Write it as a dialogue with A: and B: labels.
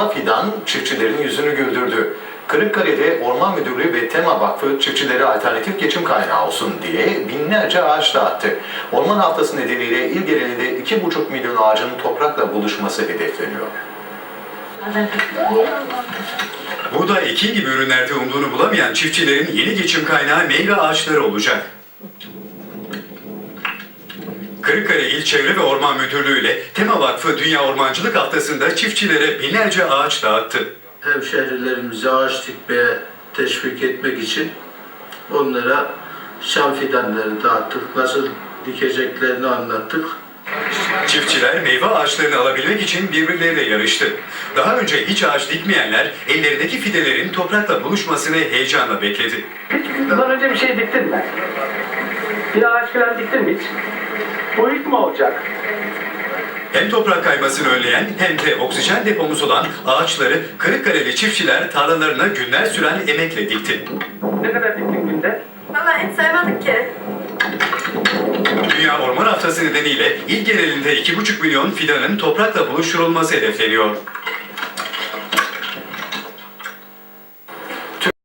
A: meyve fidan çiftçilerin yüzünü güldürdü. Kırıkkale'de Orman Müdürlüğü ve Tema Vakfı çiftçilere alternatif geçim kaynağı olsun diye binlerce ağaç dağıttı. Orman Haftası nedeniyle il genelinde 2,5 milyon ağacın toprakla buluşması hedefleniyor.
B: Buğday, ekin gibi ürünlerde umduğunu bulamayan çiftçilerin yeni geçim kaynağı meyve ağaçları olacak. Kırıkkale İl Çevre ve Orman Müdürlüğü ile Tema Vakfı Dünya Ormancılık Haftası'nda çiftçilere binlerce ağaç dağıttı.
C: Hemşehrilerimizi ağaç dikmeye teşvik etmek için onlara şam fidanları dağıttık. Nasıl dikeceklerini anlattık.
B: Çiftçiler meyve ağaçlarını alabilmek için birbirleriyle yarıştı. Daha önce hiç ağaç dikmeyenler ellerindeki fidelerin toprakla buluşmasını heyecanla bekledi.
D: Hiç bundan önce bir şey diktin mi? Bir ağaç falan diktin mi hiç? Bu ilk mi olacak?
B: Hem toprak kaymasını önleyen hem de oksijen depomuzu olan ağaçları Kırıkkaleli çiftçiler tarlalarına günler süren emekle dikti.
D: Ne kadar diktin günde?
E: Vallahi hiç saymadık ki.
B: Dünya Orman Haftası nedeniyle il genelinde 2,5 milyon fidanın toprakla buluşturulması hedefleniyor.